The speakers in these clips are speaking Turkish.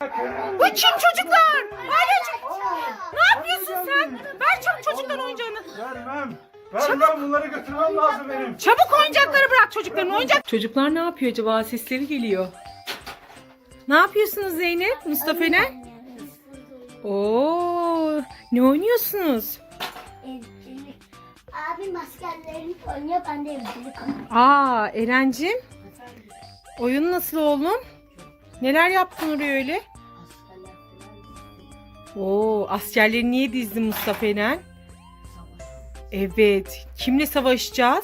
Bu kim çocuklar? Ne yapıyorsun sen? Ver çabuk çocukların oyuncağını. Vermem, bunları götürmem lazım benim. Çabuk oyuncakları bırak çocukların oyuncak. Çocuklar ne yapıyor acaba? Sesleri geliyor. Ne yapıyorsunuz Zeynep? Mustafa ne? Oo, ne oynuyorsunuz? Abim askerlerini oynuyor, ben de evcilik oynuyorum. Aa, Erencim. Oyun nasıl oğlum? Neler yaptın oraya öyle? Oo, askerleri niye dizdin Mustafa Eren? Evet. Kimle savaşacağız?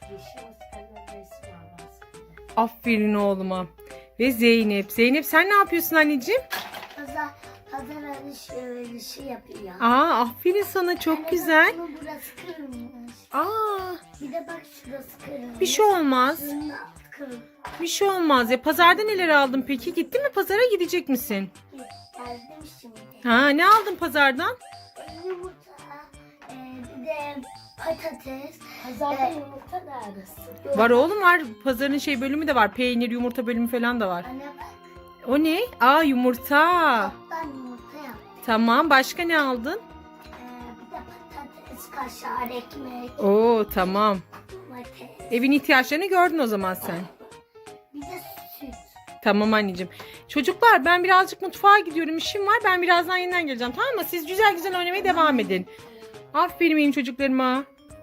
Aferin oğluma. Ve Zeynep. Zeynep sen ne yapıyorsun anneciğim? Pazar alışverişi yapıyor. Aa, aferin sana, çok güzel. Ama burası kırılmış. Aa, Bir de bak şurası kırılmış. bir şey olmaz. Şunun altı kırılmış. Bir şey olmaz ya. Pazarda neler aldın peki? Gittin mi pazara, gidecek misin? Geldim şimdi. Ha, ne aldın pazardan? Yumurta, bir de patates. Pazarda yumurta neresi? Var oğlum, var. Pazarın şey bölümü de var. Peynir, yumurta bölümü falan da var. Anne bak. O ne? Aa, yumurta. Ben yumurta yaptım. Tamam. Başka ne aldın? Bir de patates, kaşar, ekmek, Oo, tamam. domates. Evin ihtiyaçlarını gördün o zaman sen. Bir de süt. Tamam anneciğim. Çocuklar, ben birazcık mutfağa gidiyorum. İşim var. Ben birazdan yeniden geleceğim. Tamam mı? Siz güzel güzel oynamaya devam edin. Aferin benim çocuklarıma.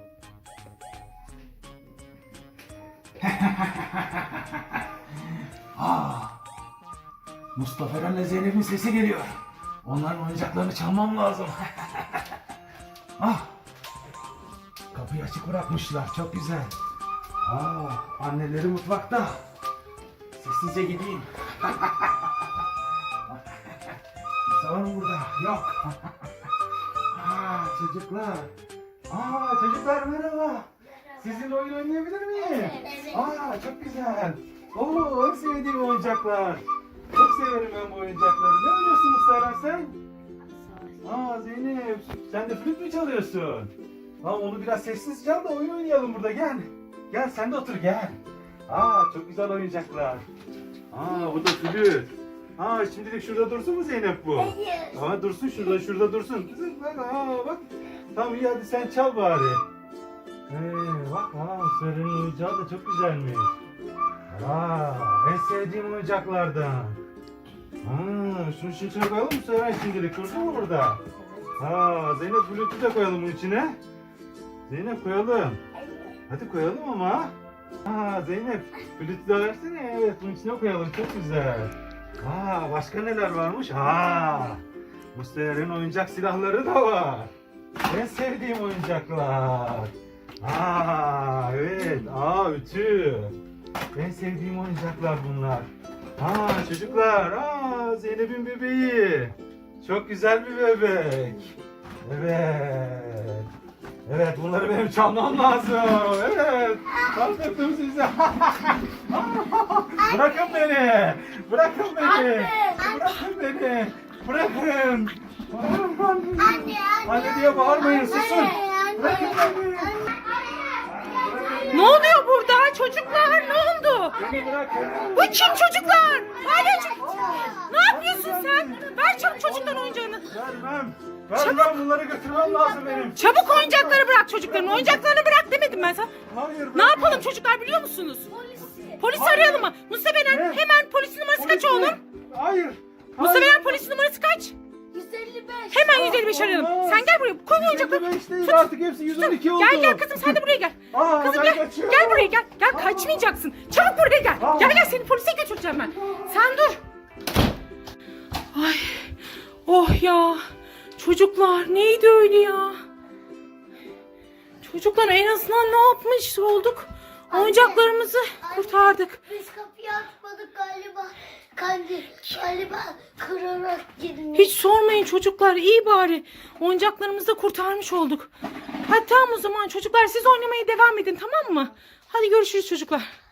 Mustafa Eren'le Zeynep'in sesi geliyor. Onların oyuncaklarını çalmam lazım. Kapıyı açık bırakmışlar. Çok güzel. Anneleri mutfakta. Sessizce gideyim. Var mı burada? Yok. Çocuklar. Çocuklar merhaba. Sizinle oyun oynayabilir miyim? Evet. Çok güzel. En sevdiğim oyuncaklar. Çok severim ben bu oyuncakları. Ne oynuyorsun Mustafa sen? Zeynep, sen de flüt mü çalıyorsun? Onu biraz sessiz çal da oyun oynayalım burada, gel. Gel sen de otur, gel. Çok güzel oyuncaklar. Bu da flüt. Şimdilik şurada dursun mu Zeynep bu? Hayır. Dursun şurada dursun. Kızım bak. Tamam iyi, hadi sen çal bari. Bak Mustara'nın oyuncağı da çok güzelmiş. En sevdiğim oyuncaklardan. Şunu içine koyalım mı Seren şimdilik? Dursun mu burada? Zeynep, flütü de koyalım bunun içine. Zeynep koyalım. Hadi koyalım ama. Zeynep, flütü de versene. Evet, bunun içine koyalım. Çok güzel. Başka neler varmış? Mustafa'nın oyuncak silahları da var. En sevdiğim oyuncaklar. Evet. Ütü. En sevdiğim oyuncaklar bunlar. Çocuklar. Zeynep'in bebeği. Çok güzel bir bebek. Evet, bunları benim çalmam lazım. Evet. Kaldırdım sizi. Bırakın beni. Bırakın beni. Anne diye bağırmayın, susun. Bırakın beni. Ne oluyor burada? Çocuklar ne oldu? Beni bırakın. Bu kim çocuklar? Ne yapıyorsun sen? Ver çabuk çocukların oyuncağını. Vermem, bunları götürmem lazım benim. Çabuk oyuncakları bırak çocukların. Oyuncaklarını bırak demedim ben sana. Hayır. Ne yapalım çocuklar, biliyor musunuz? Polisi arayalım mı? Mustafa Eren, Ne? hemen polisin numarası kaç oğlum? Hayır. Mustafa Eren, polisin numarası kaç? 155. Hemen 155 arayalım. Olmaz. Sen gel buraya. Koy oyuncakları. 155 değil, artık hepsi 112 oldu. Gel kızım, sen de buraya gel. Kızım ben gel. kaçıyorum. Gel buraya gel. Gel, kaçmayacaksın. Çabuk buraya gel. Gel seni polise götüreceğim ben. Sen dur. Ay. Oh ya. Çocuklar neydi öyle ya? Çocuklar en azından ne yapmış olduk? Oyuncaklarımızı kurtardık. Biz kapıyı açmadık galiba. Galiba kırarak girmiş. Hiç sormayın çocuklar, iyi bari. Oyuncaklarımızı da kurtarmış olduk. Hadi tamam o zaman çocuklar, siz oynamaya devam edin, tamam mı? Hadi görüşürüz çocuklar.